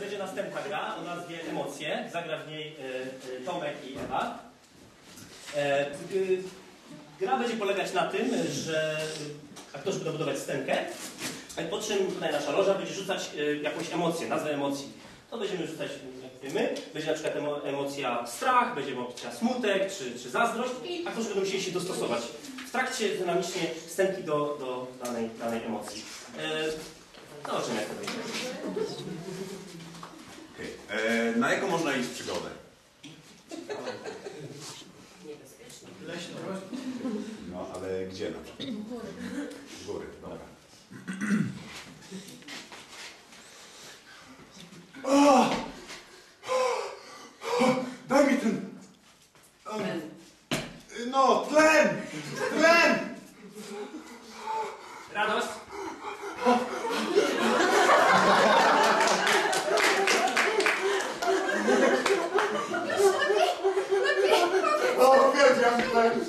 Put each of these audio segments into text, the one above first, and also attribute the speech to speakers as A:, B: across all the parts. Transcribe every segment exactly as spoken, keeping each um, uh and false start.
A: będzie następna gra o nazwie Emocje. Zagra w niej y, y, Tomek i Ewa. E, y, gra będzie polegać na tym, że aktorzy będą budować scenkę, po czym tutaj nasza loża będzie rzucać y, jakąś emocję, nazwę emocji. To będziemy rzucać, jak wiemy, będzie na przykład emo, emocja strach, będzie emocja smutek czy, czy zazdrość i aktorzy będą musieli się dostosować w trakcie dynamicznie scenki do, do danej, danej emocji. E, Zobaczymy, jak to będzie.
B: Okay. E, na jaką można iść przygodę?
A: Leśno.
B: No, ale gdzie na przykład? W góry, dobra. O! Daj mi ten... No, tlen! Tlen!
A: Radość?
B: O, wiedziałem tlen!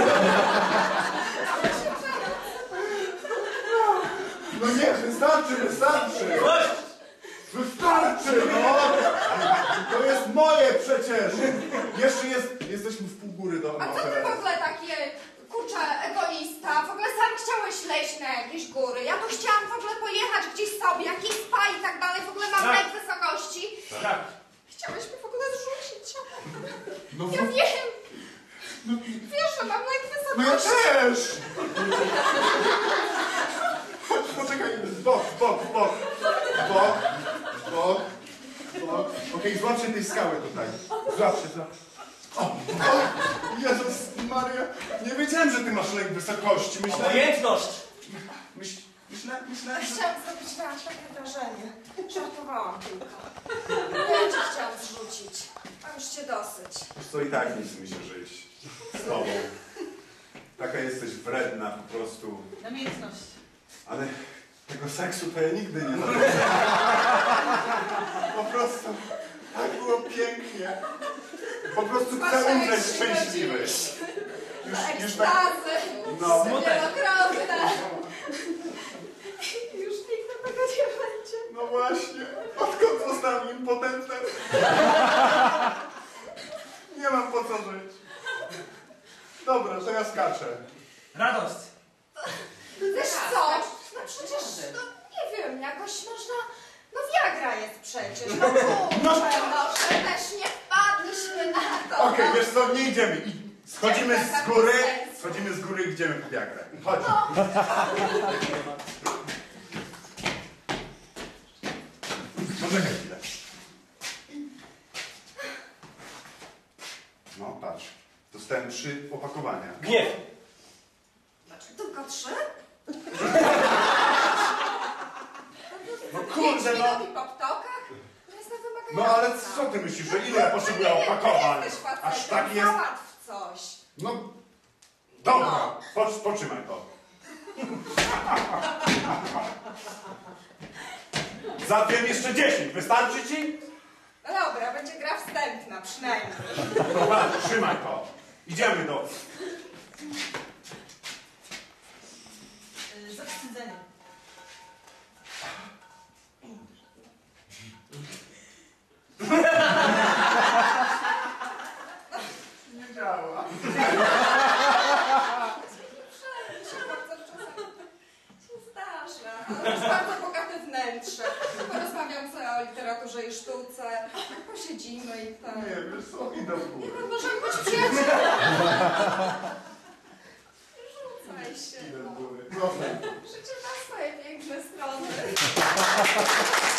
B: No nie, wystarczy, wystarczy! Wystarczy, no! To jest moje przecież! Jeszcze jest... Jesteśmy w pół góry do...
C: A co ty w ogóle takie, kurczę, egoista? W ogóle sam chciałeś leźć na jakieś góry. Ja tu chciałam w ogóle pojechać gdzieś sobie, jakieś spa i tak dalej. W ogóle mam
A: Tak.
C: lek wysokości.
A: Tak.
C: Chciałeś mnie w ogóle zrzucić.
B: No,
C: Ja wiem. Wiesz, że mam lek
B: no ja
C: wysokości.
B: też! Poczekaj, bok, bok, bok. Bok, bok, bok. Okej, złap się tej skały tutaj. Złap się, złap. O, o, Jezus Maria, nie wiedziałem, że ty masz lek wysokości. Myślałem...
A: Obojętność!
B: Myśl, myślę, myślałem, że...
C: Chciałam zrobić na aż takie wrażenie. Żartowałam tylko. Ja cię chciałam zrzucić. A już cię dosyć.
B: Wiesz co, i tak nie chce mi się żyć z tobą. Taka jesteś wredna po prostu.
D: Namiętność.
B: Ale tego seksu to ja nigdy nie zrobię. Po prostu tak było pięknie. Po prostu chcę umrzeć szczęśliwy. Już, już tak...
C: Ekstazy.
B: No.
C: Wielokrotne. Już nigdy tego nie będzie.
B: No właśnie. Odkąd zostałem impotentem? Nie mam po co żyć. Dobra, to ja skaczę.
A: Radość!
C: Wiesz co? No przecież, no nie wiem, jakoś można... No Viagra jest przecież, no kurczę, może też nie wpadliśmy na to.
B: Okej,
C: no.
B: wiesz co, nie idziemy. I schodzimy z góry, schodzimy z góry i idziemy po Viagrę. Chodź. Poczekaj chwilę. No, patrz. Dostałem trzy opakowania.
A: Gniew!
C: Tylko trzy?
B: No kurde, no.
C: Robi poptoka? To jest na wymagająca.
B: No ale co ty myślisz, że ile ja potrzebuję opakowań?
C: Jesteś facetem,
B: Aż tak jest.
C: załatw coś.
B: No, dobra, po, poczymaj to. Załatwiłem jeszcze dziesięć, wystarczy ci?
C: No dobra, będzie gra wstępna przynajmniej.
B: Dobra, trzymaj to. Idziemy do...
D: Yy, zawstydzenie.
B: Nie działa.
C: Bardzo czasami się zdarza. Ale to jest bardzo bogate wnętrze. Porozmawiam sobie o literaturze i sztuce. Posiedzimy i tak.
B: Nie, wiesz co, idę w górę.
C: No możemy być przyjaciółmi. Rzucaj się.
B: Idę
C: No.
B: w górę. Proszę.
C: Życie ma swoje piękne strony.